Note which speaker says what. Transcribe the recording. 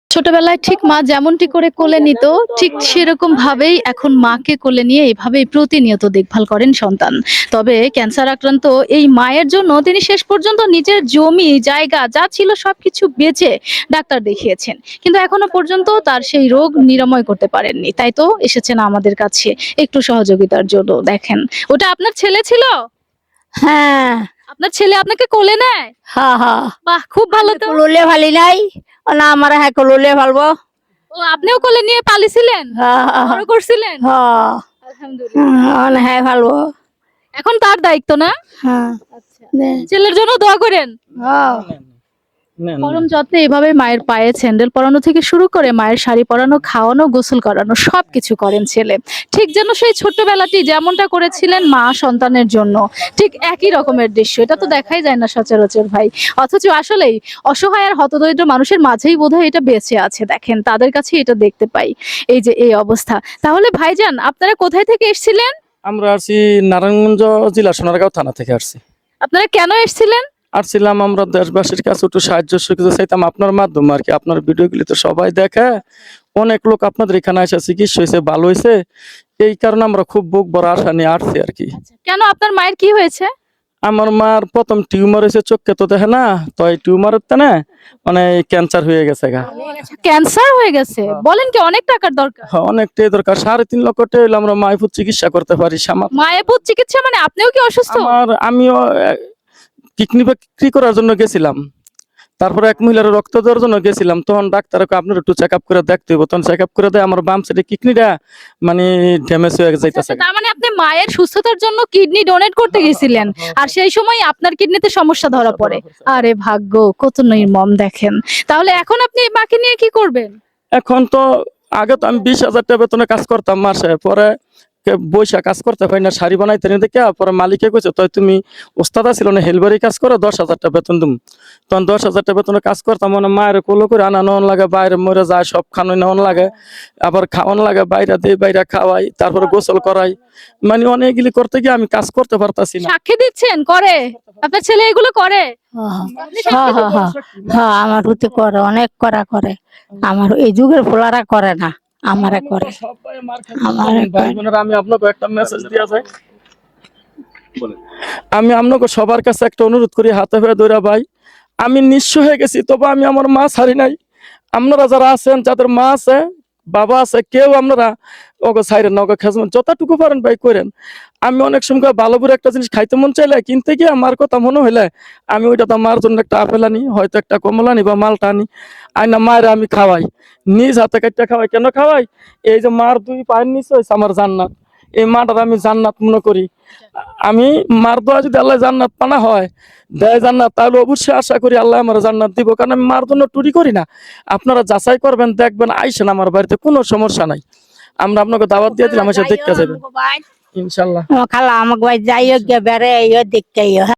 Speaker 1: ছোটবেলায় ঠিক মা যেমনটি করে কোলে নিত, ঠিক সেরকম ভাবেই এখন মাকে কোলে নিয়ে এভাবেই প্রতিনিয়ত দেখভাল করেন সন্তান। তবে ক্যান্সার আক্রান্ত এই মায়ের জন্য তিনি শেষ পর্যন্ত নিজের জমি, জায়গা যা ছিল সবকিছু বেচে ডাক্তার দেখিয়েছেন। কিন্তু এখনো পর্যন্ত তার সেই রোগ নিরাময় করতে পারেননি। তাই তো এসেছেন আমাদের কাছে একটু সহযোগিতার জন্য। দেখেন, ওটা আপনার ছেলে ছিল?
Speaker 2: হ্যাঁ,
Speaker 1: আপনার ছেলে আপনাকে কোলে নেয়?
Speaker 2: হ্যাঁ, হ্যাঁ।
Speaker 1: বাহ! খুব ভালো তো।
Speaker 2: কুলুলে ফালি নাই। ও না আমার হ্যাঁ কুলুলে ফালবো।
Speaker 1: ও আপনিও কোলে নিয়ে পালিছিলেন?
Speaker 2: হ্যাঁ,
Speaker 1: বড় করছিলেন?
Speaker 2: হ্যাঁ।
Speaker 1: আলহামদুলিল্লাহ।
Speaker 2: হ্যাঁ ফালবো।
Speaker 1: এখন তার দায়িত্ব না?
Speaker 2: হ্যাঁ।
Speaker 1: আচ্ছা। ছেলের জন্য দোয়া করেন।
Speaker 2: হ্যাঁ।
Speaker 1: পরম যত্নে এভাবে মায়ের পায়ে স্যান্ডেল পরানো থেকে শুরু করে মায়ের শাড়ি পরানো, খাওয়ানো, গোসল করানো সবকিছু করেন ছেলে। ঠিক যেন সেই ছোট্টবেলাটি যেমনটা করেছিলেন মা সন্তানের জন্য, ঠিক একই রকমের দৃশ্য। এটা তো দেখাই যায় না সচরাচর ভাই। অথচ আসলেই অসহায় আর হতদরিদ্র মানুষের মাঝেই বোধহয় এটা বেঁচে আছে। দেখেন তাদের কাছে এটা দেখতে পাই। এই যে এই অবস্থা। তাহলে ভাইজান আপনারা কোথায় থেকে এসেছিলেন?
Speaker 3: আমরা আসছি নারায়ণগঞ্জ জেলা সোনারগাঁও থানা থেকে আসছি।
Speaker 1: আপনারা কেন এসেছিলেন?
Speaker 3: আসছিলাম আমরা দেশবাসীর কাছে একটু সাহায্য সুবিধা চাইতাম আপনার মাধ্যমে আর কি। আপনার ভিডিওগুলি তো সবাই দেখে, অনেক লোক আপনাদের এখানে এসে চিকিৎসা হয়েছে, ভালো হয়েছে। এই কারণে আমরা খুব বুক বড় আশা নিয়ে আসছি আর কি।
Speaker 1: কেন আপনার মায়ের কি হয়েছে?
Speaker 3: আমার মার প্রথম টিউমার হয়েছে, চোখে তো দেখে না, তো এই টিউমারের না মানে ক্যান্সার হয়ে গেছে গা।
Speaker 1: ক্যান্সার হয়ে গেছে? বলেন কি, অনেক টাকার দরকার?
Speaker 3: হ্যাঁ, অনেকটাই দরকার। 3.5 লক্ষ টাকা হইলে আমরা মাইফুর চিকিৎসা করতে পারি।
Speaker 1: মায়াপুর চিকিৎসা মানে আপনিও কি অসুস্থ?
Speaker 3: আমিও কিডনি বিক্রি করার জন্য গেছিলাম, তারপরে এক মহিলার রক্ত দেওয়ার জন্য গেছিলাম। তখন ডাক্তার আপনার একটু চেক আপ করে দেখতে হবে। তখন চেক আপ করে দেয় আমার বাম সাইডে কিডনিটা মানে ড্যামেজ হয়ে যাইতেছে।
Speaker 1: তার মানে আপনি মায়ের সুস্থতার জন্য কিডনি ডোনেট করতে গেছিলেন, আর সেই সময় আপনার কিডনিতে সমস্যা ধরা পড়ে। আরে ভাগ্য কত নির্মম দেখেন। তাহলে এখন আপনি মাকে নিয়ে কি করবেন?
Speaker 3: এখন তো আগে তো আমি 20,000 টাকা বেতনে কাজ করতাম মাসে, পরে বৈশা কাজ করতে পারি না, শাড়ি বানাইতে নিয়ে দেখে পরে মালিকে কইছে তো তুমি ওস্তাদ ছিল না, হেলবারি কাজ করো, 10,000 টাকা বেতন দিম। তখন 10,000 টাকা বেতনে কাজ করতাম, মানে মায়ের কোলো করে আনা নেওয়ান লাগে, বাইরে মরে যায়, সব খানো নেওয়ান লাগে, আবার খাওয়ান লাগে, বাইরে দিয়ে বাইরে খাওয়াই, তারপরে গোসল করাই, মানে অনেকগুলি করতে গিয়ে আমি কাজ করতে পারতাছি না।
Speaker 1: সাক্ষী দিচ্ছেন করে? আপনার ছেলে এগুলো করে?
Speaker 2: হ্যাঁ, হ্যাঁ, হ্যাঁ, হ্যাঁ, আমার হতে করে, অনেক করা করে। আমার এই যুগের ফোলারা করে না, আমারে করে।
Speaker 3: আমি আপনাকে একটা মেসেজ দিয়া যাই, আমি আপনাকে সবার কাছে একটা অনুরোধ করি, হাতে হয়ে ধরে ভাই, আমি নিঃস্ব হয়ে গেছি, তবে আমি আমার মা ছাড়ি নাই। আপনারা যারা আছেন, যাদের মা আছে, বাবা আছে, কেউ আপনারা ওকে ছাইরেন না, ওকে খেজবেন, যতটুকু পারেন ভাই করেন। আমি অনেক সময় ভালো করে একটা জিনিস খাইতে মন চাইলে কিনতে গিয়ে আমার কথা মনে হইলে আমি ওইটা তো মার জন্য একটা আপেল আনি, হয়তো একটা কমলা আনি বা মালটা আনি, আইনা মায়ের আমি খাওয়াই, নিজ হাতে কাটতে খাওয়াই। কেন খাওয়াই? এই যে মার 2 পায়ের নিচে হয়েছে আমার জান্নাত, এই মাটার আমি জান্নাত মনে করি। আমি মার দোয়া যদি আল্লাহ জান্নাত পানা হয় দেয় জান্নাত, তাহলে অবশ্যই আশা করি আল্লাহ আমার জান্নাত দিব, কারণ আমি মার জন্য টুরি করি না। আপনারা যাচাই করবেন, দেখবেন, আইসেন আমার বাড়িতে, কোনো সমস্যা নাই। আমরা আপনাকে দাওয়াত দিয়ে দিলাম, এসে দেখতে যাবেন ইনশাল্লাহ।
Speaker 2: খালা আমাকে যাইও গিয়ে বেড়ে দেখতে